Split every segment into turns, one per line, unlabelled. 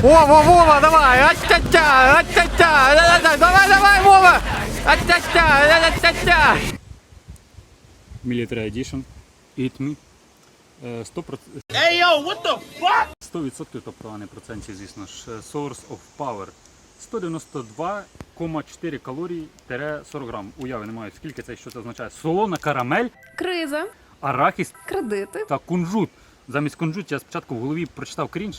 Вова, давай! Ать-тя-тя! Ать-тя-тя! Давай, Вова! Ать-тя-тя! Ать-тя-тя! Military Edition. Eat me. 100%.
Hey yo, what the fuck?
100%, тобто, а не процентів, звісно ж. Source of Power. 192,4 калорій – 40 грам. Уяви не маю, скільки це, що це означає. Солона карамель,
Криза,
арахіс
кредити.
та кунжут. Замість кунжут я спочатку в голові прочитав крінж.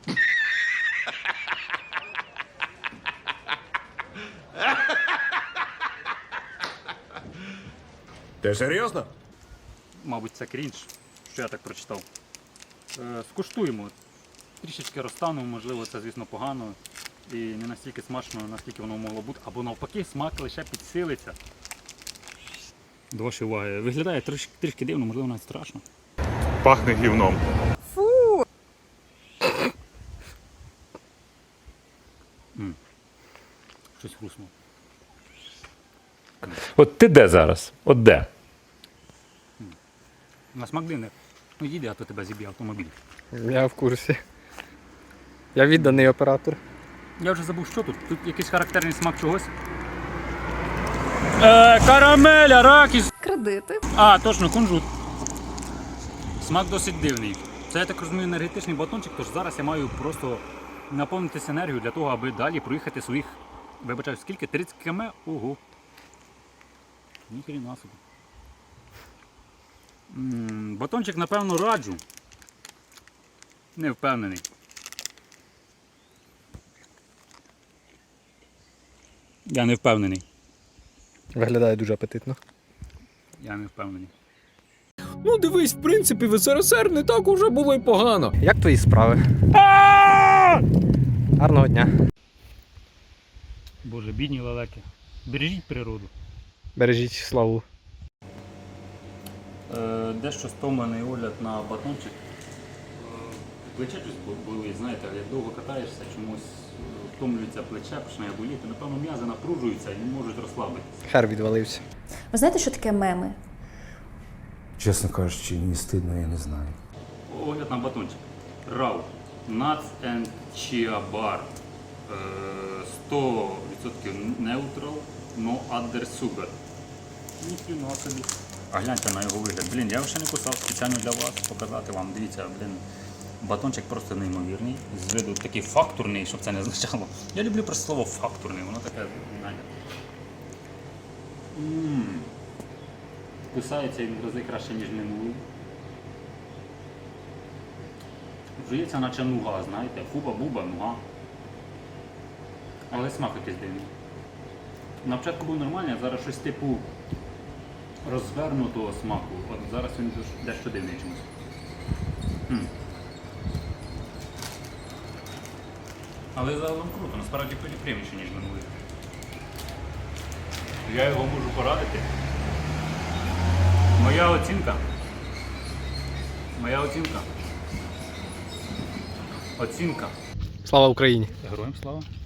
Ти серйозно?
Мабуть, це крінж, що я так прочитав. Скуштуємо. Трішечки розтану, можливо, це, звісно, погано. І не настільки смачно, наскільки воно могло бути. Або навпаки, смак лише підсилиться. До вашої уваги. Виглядає трішки дивно, можливо, навіть страшно.
Пахне гівном.
Фу!
Щось хруснуло.
От ти де зараз? От де?
На смак дивний. Ну їде, а то тебе зіб'є автомобіль.
Я в курсі. Я відданий оператор.
Я вже забув, що тут. Тут якийсь характерний смак чогось. Карамель, арахіс.
Кредити.
А, точно, кунжут. Смак досить дивний. Це, я так розумію, енергетичний батончик, тож зараз я маю просто наповнитися енергією для того, аби далі проїхати своїх, вибачаю, скільки? 30 км? Ого. Ніхрена собі. Батончик, напевно, раджу. Не впевнений. Я не впевнений.
Виглядає дуже апетитно.
Я не впевнений.
Ну дивись, в принципі, в СРСР не так уже було й погано.
Як твої справи? Гарного дня.
Боже, бідні лелеки. Бережіть природу.
Бережіть славу.
Дещо стомлений огляд на батончик. Плече щось болить, знаєте, як довго катаєшся, чомусь втомлюється плече, починає боліти. Напевно, м'язи напружуються і не можуть розслабитися.
Хер відвалився.
Ви знаєте, що таке меми?
Чесно кажучи, не стидно, я не знаю.
Огляд на батончик. Рау. Nuts and Chia Bar. 100% neutral, no other sugar. Ніхрена собі. А гляньте на його вигляд. Блін, я його ще не кусав спеціально для вас, показати вам. Дивіться, блін, батончик просто неймовірний. З виду такий фактурний, щоб це не означало. Я люблю просто слово фактурний, воно таке, знаєте. Кусається він в рази краще, ніж минулий. Жується наче нуга, знаєте, фуба-буба, нуга. Але смак якийсь дивний. На початку був нормальний, а зараз щось типу розвернутого смаку. От зараз він дещо дивний чомусь. Але загалом круто, насправді приємніше, ніж минулий. Я його можу порадити. Моя оцінка. Оцінка.
Слава Україні!
Героям слава.